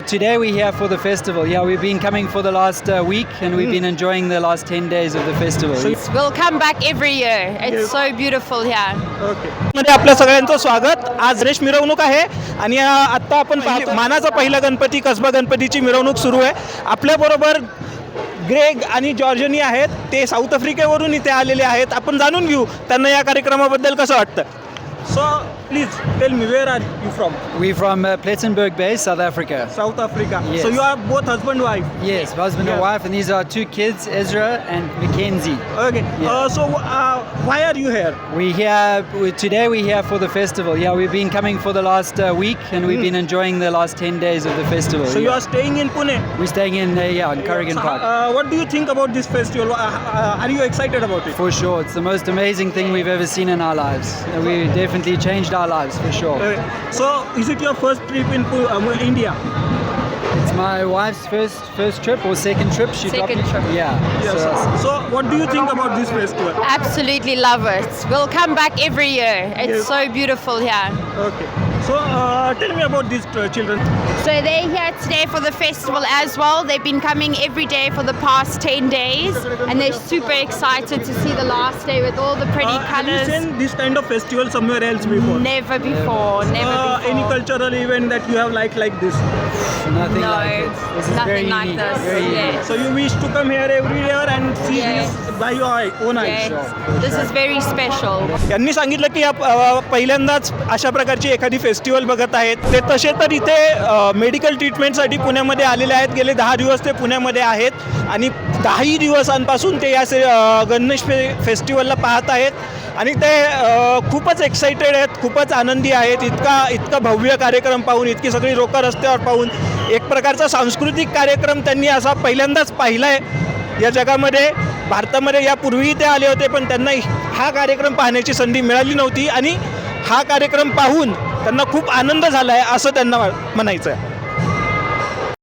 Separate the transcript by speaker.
Speaker 1: today we're here for the festival. Yeah, we've been coming for the last week and we've been enjoying the last 10 days of the festival.
Speaker 2: We'll come back every year. It's so beautiful here.
Speaker 3: मध्ये आपल्या सगळ्यांचं स्वागत. आज रेश मिरवणूक आहे आणि आता आपण मानाचा पहिला गणपती कसबा गणपतीची मिरवणूक सुरू आहे. आपल्याबरोबर ग्रेग आणि जॉर्जनी आहेत. ते साऊथ आफ्रिकेवरून इथे आलेले आहेत. आपण जाणून घेऊ त्यांना या कार्यक्रमाबद्दल कसं वाटतं. So please tell me where are you from.
Speaker 1: We're from Plettenberg Bay, South Africa.
Speaker 3: South Africa.
Speaker 1: Yes.
Speaker 3: So you are both husband wife.
Speaker 1: Yes, husband and wife, and these are two kids, Ezra and Mackenzie.
Speaker 3: Okay. So why are you here?
Speaker 1: Today we're here for the festival. Yeah, we've been coming for the last week and we've been enjoying the last 10 days of the festival.
Speaker 3: So you are staying in Pune.
Speaker 1: We're staying in in Corrigan Park.
Speaker 3: What do you think about this festival? Are you excited about it?
Speaker 1: For sure, it's the most amazing thing we've ever seen in our lives. We definitely changed our lives for sure.
Speaker 3: So is it your first trip in India?
Speaker 1: It's my wife's first trip or second trip.
Speaker 2: Second trip.
Speaker 1: Yeah.
Speaker 3: Yes. So what do you think about this festival?
Speaker 2: Absolutely love it. We'll come back every year. It's so beautiful here.
Speaker 3: Okay. So tell me about these children.
Speaker 2: So they're here today for the festival as well. They've been coming every day for the past 10 days and they're super excited to see the last day with all the pretty
Speaker 3: Have you
Speaker 2: colors.
Speaker 3: seen this kind of festival somewhere else before?
Speaker 2: Never before, never before.
Speaker 3: Any cultural event that you have like this?
Speaker 1: Nothing
Speaker 2: No,
Speaker 1: like it. This is very
Speaker 2: nothing like
Speaker 1: unique.
Speaker 2: this.
Speaker 1: Very unique.
Speaker 2: Yes.
Speaker 3: So you wish to come here every year and see
Speaker 2: Yes.
Speaker 3: this by your own eyes.
Speaker 2: Yes. This is very special.
Speaker 3: यांनी सांगितलं की पहिल्यांदाच अशा प्रकारची एखादी festival बघत आहेत. ते तसे तर इथे मेडिकल ट्रीटमेंटसाठी पुण्यामध्ये आलेले आहेत. गेले 10 दिवस ते पुण्यामध्ये आहेत आणि 10 दिवसांपासून ते या गणेश फेस्टिवलला पाहत आहेत आणि ते खूपच एक्साइटेड आहेत, खूपच आनंदी आहेत. इतका भव्य कार्यक्रम पाहून, इतकी सगळी लोकं रस्त्यावर पाहून, एक प्रकारचा सांस्कृतिक कार्यक्रम त्यांनी असा पहिल्यांदाच पाहिला आहे या जगामध्ये. भारतामध्ये यापूर्वीही ते आले होते पण त्यांना हा कार्यक्रम पाहण्याची संधी मिळाली नव्हती आणि हा कार्यक्रम पाहून त्यांना खूप आनंद झाला आहे असं त्यांना म्हणायचं आहे.